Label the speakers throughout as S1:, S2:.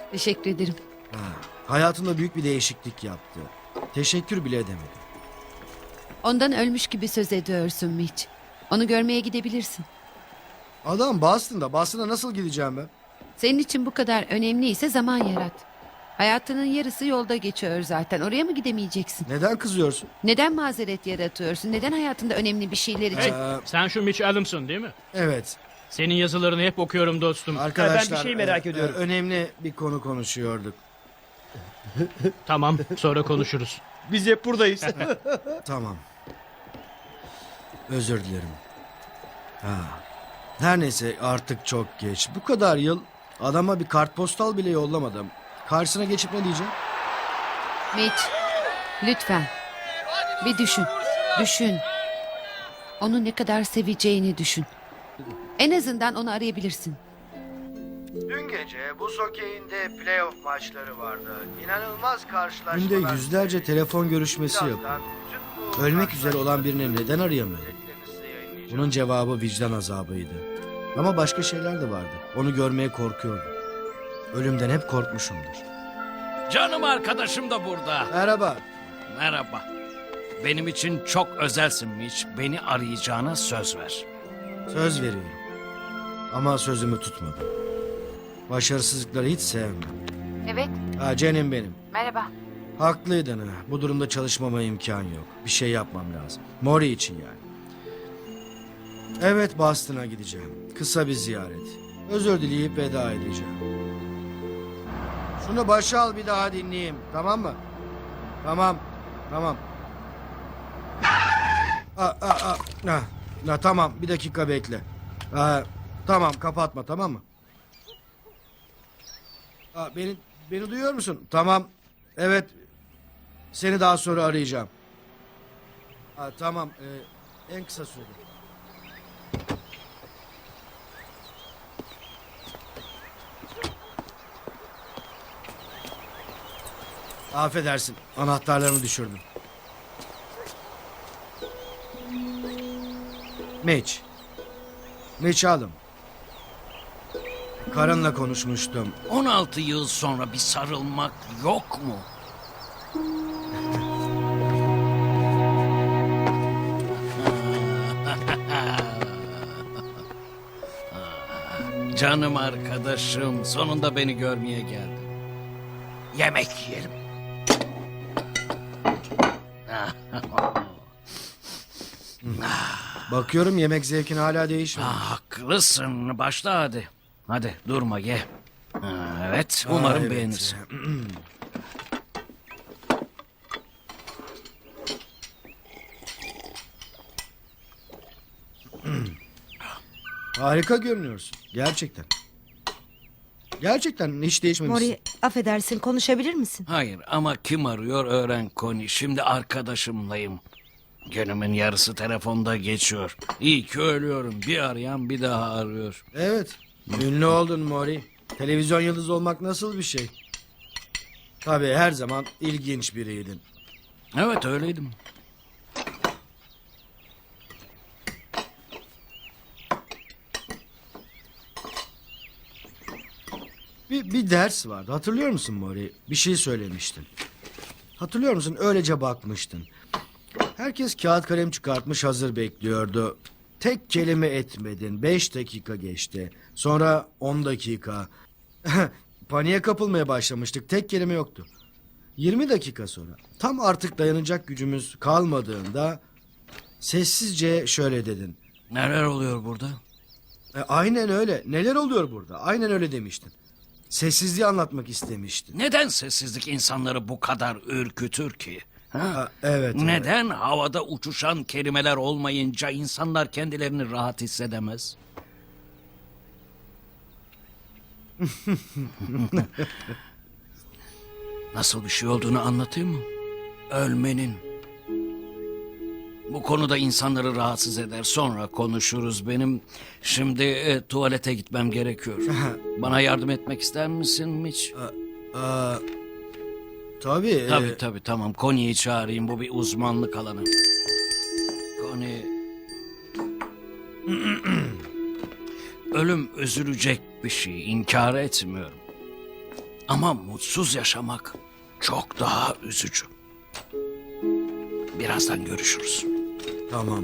S1: Teşekkür ederim.
S2: Hayatında büyük bir değişiklik yaptı. Teşekkür bile edemedi.
S1: Ondan ölmüş gibi söz ediyorsun Mitch. Onu görmeye gidebilirsin.
S2: Adam Boston'da. Boston'a nasıl gideceğim ben?
S1: Senin için bu kadar önemliyse zaman yarat. Hayatının yarısı yolda geçiyor zaten. Oraya mı gidemeyeceksin?
S2: Neden kızıyorsun?
S1: Neden mazeret yaratıyorsun? Neden hayatında önemli bir şeyler için?
S3: Sen şu Mitch Adams'ın değil mi?
S2: Evet.
S3: Senin yazılarını hep okuyorum dostum.
S2: Arkadaşlar
S4: Ben bir şey merak ediyorum.
S2: önemli bir konu konuşuyorduk.
S3: Tamam, sonra konuşuruz.
S4: Biz hep buradayız.
S2: Tamam. Özür dilerim. Her neyse artık çok geç. Bu kadar yıl adama bir kartpostal bile yollamadım. Karşısına geçip ne diyeceğim?
S1: Mitch, lütfen. Bir düşün. Düşün. Onu ne kadar seveceğini düşün. En azından onu arayabilirsin.
S2: Dün gece buz hokeyinde playoff maçları vardı. İnanılmaz karşılaşmalar. Günde yüzlerce telefon görüşmesi yapıyor. Ölmek üzere olan birini neden arayamıyor? Bunun cevabı vicdan azabıydı. Ama başka şeyler de vardı. Onu görmeye korkuyordum. Ölümden hep korkmuşumdur.
S5: Canım arkadaşım da burada.
S2: Merhaba.
S5: Merhaba. Benim için çok özelsin Mitch. Beni arayacağına söz ver.
S2: Söz veriyorum. Ama sözümü tutmadım. Başarısızlıkları hiç sevmem.
S1: Evet,
S2: Canım benim.
S1: merhaba.
S2: Haklıydın ha. Bu durumda çalışmama imkan yok. Bir şey yapmam lazım. Mori için yani. Evet, Boston'a gideceğim. Kısa bir ziyaret. Özür dileyip veda edeceğim. Şunu başa al, bir daha dinleyeyim. Tamam mı? Tamam. Tamam. Tamam, bir dakika bekle. Tamam, kapatma, tamam mı? Beni duyuyor musun? Tamam. Evet. Seni daha sonra arayacağım. Tamam. En kısa sürede. Affedersin. Anahtarlarımı düşürdüm. Mitch. Mitch alım. Karınla konuşmuştum.
S5: 16 yıl sonra bir sarılmak yok mu? Canım arkadaşım, sonunda beni görmeye geldin. Yemek yiyelim.
S2: Bakıyorum yemek zevkin hala değişmedi.
S5: Haklısın, başla hadi. Hadi durma ye. Evet, umarım
S2: Evet.
S5: beğenirsin.
S2: Harika görünüyorsun. Gerçekten. Gerçekten hiç değişmemişsin.
S6: Mori, affedersin, konuşabilir misin?
S5: Hayır ama kim arıyor öğren Connie. Şimdi arkadaşımlayım. Günümün yarısı telefonda geçiyor. İyi ki ölüyorum. Bir arayan bir daha arıyor.
S2: Evet. Ünlü oldun Mori. Televizyon yıldızı olmak nasıl bir şey? Tabii her zaman ilginç biriydin.
S5: Evet öyleydim.
S2: Bir ders vardı. Hatırlıyor musun Mori? Bir şey söylemiştin. Hatırlıyor musun? Öylece bakmıştın. Herkes kağıt kalem çıkartmış hazır bekliyordu. Tek kelime etmedin. 5 dakika geçti. Sonra 10 dakika. Paniğe kapılmaya başlamıştık. Tek kelime yoktu. 20 dakika sonra tam artık dayanacak gücümüz kalmadığında sessizce şöyle dedin.
S5: Neler oluyor burada?
S2: Aynen öyle. Neler oluyor burada? Aynen öyle demiştin. Sessizliği anlatmak istemiştin.
S5: Neden sessizlik insanları bu kadar ürkütür ki? Ha?
S2: Evet.
S5: Neden havada uçuşan kelimeler olmayınca insanlar kendilerini rahat hissedemez? Nasıl bir şey olduğunu anlatayım mı? Ölmenin. Bu konuda insanları rahatsız eder. Sonra konuşuruz. Benim şimdi tuvalete gitmem gerekiyor. Bana yardım etmek ister misin Mitch?
S2: Tabii.
S5: Tabii tamam. Connie'yi çağırayım. Bu bir uzmanlık alanı. Connie... Ölüm üzülecek bir şey. İnkar etmiyorum. Ama mutsuz yaşamak çok daha üzücü. Birazdan görüşürüz.
S2: Tamam.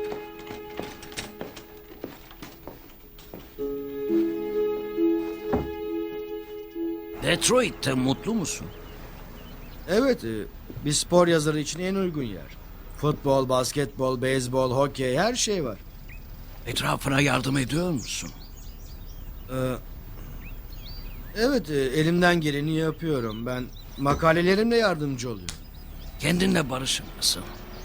S5: Detroit'te mutlu musun?
S2: Evet, bir spor yazarı için en uygun yer. Futbol, basketbol, beyzbol, hokey, her şey var.
S5: Etrafına yardım ediyor musun?
S2: Evet, elimden geleni yapıyorum. Ben makalelerimle yardımcı oluyorum.
S5: Kendinle barışık mısın?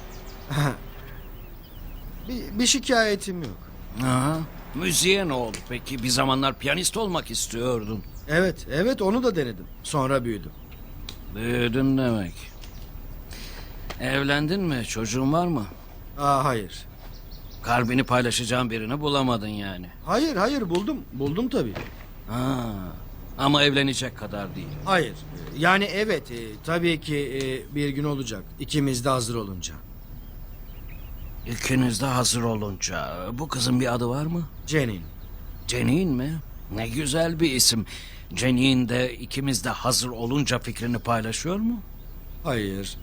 S2: Bir şikayetim yok.
S5: Aha. Müziğe ne oldu peki? Bir zamanlar piyanist olmak istiyordun.
S2: Evet, onu da denedim. Sonra büyüdüm.
S5: Büyüdün demek. Evlendin mi? Çocuğun var mı?
S2: Hayır.
S5: Kalbini paylaşacağın birini bulamadın yani.
S2: Hayır, buldum. Buldum tabii.
S5: Ha. Ama evlenecek kadar değil.
S2: Hayır. Yani evet, tabii ki bir gün olacak. İkimiz de hazır olunca.
S5: İkiniz de hazır olunca. Bu kızın bir adı var mı?
S2: Cenin.
S5: Cenin mi? Ne güzel bir isim. Cenin de ikimiz de hazır olunca fikrini paylaşıyor mu?
S2: Hayır.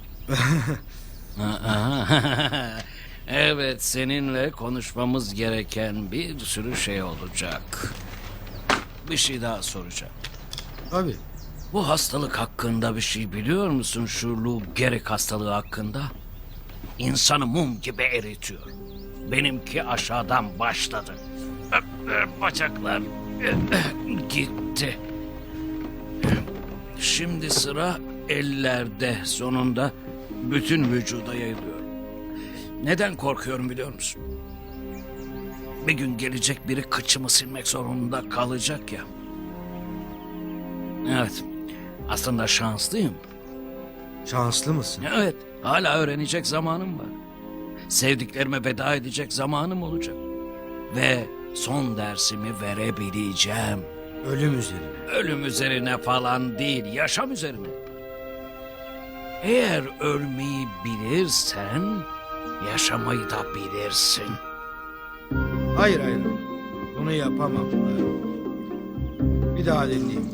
S5: Evet, seninle konuşmamız gereken bir sürü şey olacak. Bir şey daha soracağım.
S2: Tabii.
S5: Bu hastalık hakkında bir şey biliyor musun? Şu Lou Gehrig hastalığı hakkında. İnsanı mum gibi eritiyor. Benimki aşağıdan başladı. Bacaklar gitti. Şimdi sıra ellerde, sonunda bütün vücuda yayılıyor. Neden korkuyorum biliyor musun? Bir gün gelecek biri kıçımı silmek zorunda kalacak ya. Evet, aslında şanslıyım.
S2: Şanslı mısın?
S5: Evet, hala öğrenecek zamanım var. Sevdiklerime veda edecek zamanım olacak. Ve son dersimi verebileceğim.
S2: Ölüm üzerine.
S5: Ölüm üzerine falan değil, yaşam üzerine. Eğer ölmeyi bilirsen, yaşamayı da bilirsin.
S2: Hayır. Bunu yapamam. Bir daha dinleyeyim.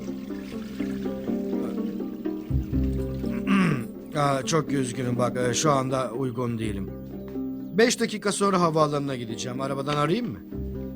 S2: Çok üzgünüm bak, şu anda uygun değilim. 5 dakika sonra havaalanına gideceğim. Arabadan arayayım mı?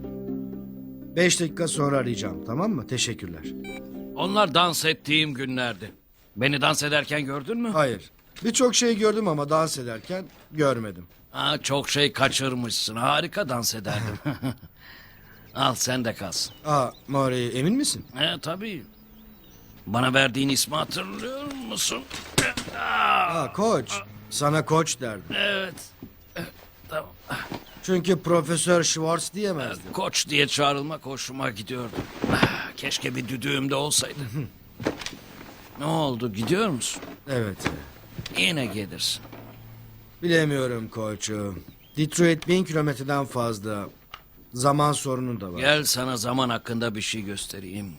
S2: 5 dakika sonra arayacağım, tamam mı? Teşekkürler.
S5: Onlar dans ettiğim günlerdi. Beni dans ederken gördün mü?
S2: Hayır. Birçok şey gördüm ama dans ederken görmedim.
S5: Çok şey kaçırmışsın. Harika dans ederdim. Al sen de kalsın.
S2: Maury, emin misin?
S5: Tabii. Bana verdiğin ismi hatırlıyor musun?
S2: Koç. Sana koç derdim.
S5: Evet. Tamam.
S2: Çünkü Profesör Schwartz diyemezdim.
S5: Koç diye çağrılmak hoşuma gidiyordu. Keşke bir düdüğüm de olsaydı. Ne oldu, gidiyor musun?
S2: Evet.
S5: Yine gelirsin.
S2: Bilemiyorum koç. Detroit 1000 kilometreden fazla. Zaman sorunu da var.
S5: Gel sana zaman hakkında bir şey göstereyim.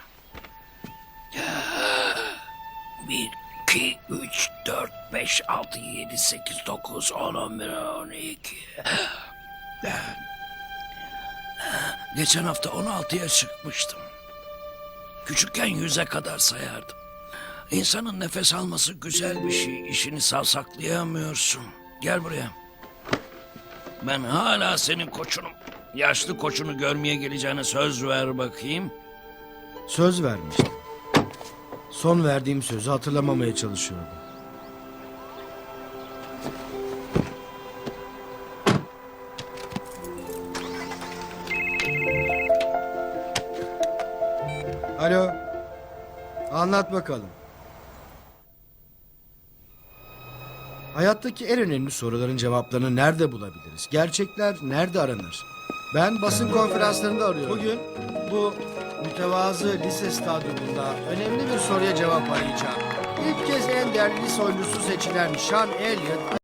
S5: 1, 2, 3, 4, 5, 6, 7, 8, 9, 10, 11, 12. Geçen hafta 16'ya çıkmıştım. Küçükken 100'e kadar sayardım. İnsanın nefes alması güzel bir şey. İşini savsaklayamıyorsun. Gel buraya. Ben hala senin koçunum. Yaşlı koçunu görmeye geleceğine söz ver bakayım.
S2: Söz vermiştim. Son verdiğim sözü hatırlamamaya çalışıyordum. Alo. Anlat bakalım. Hayattaki en önemli soruların cevaplarını nerede bulabiliriz? Gerçekler nerede aranır? Ben basın konferanslarında arıyorum. Bugün bu mütevazı lise stadyumunda önemli bir soruya cevap arayacağım. İlk kez en değerli lise oyuncusu seçilen Sean Elliott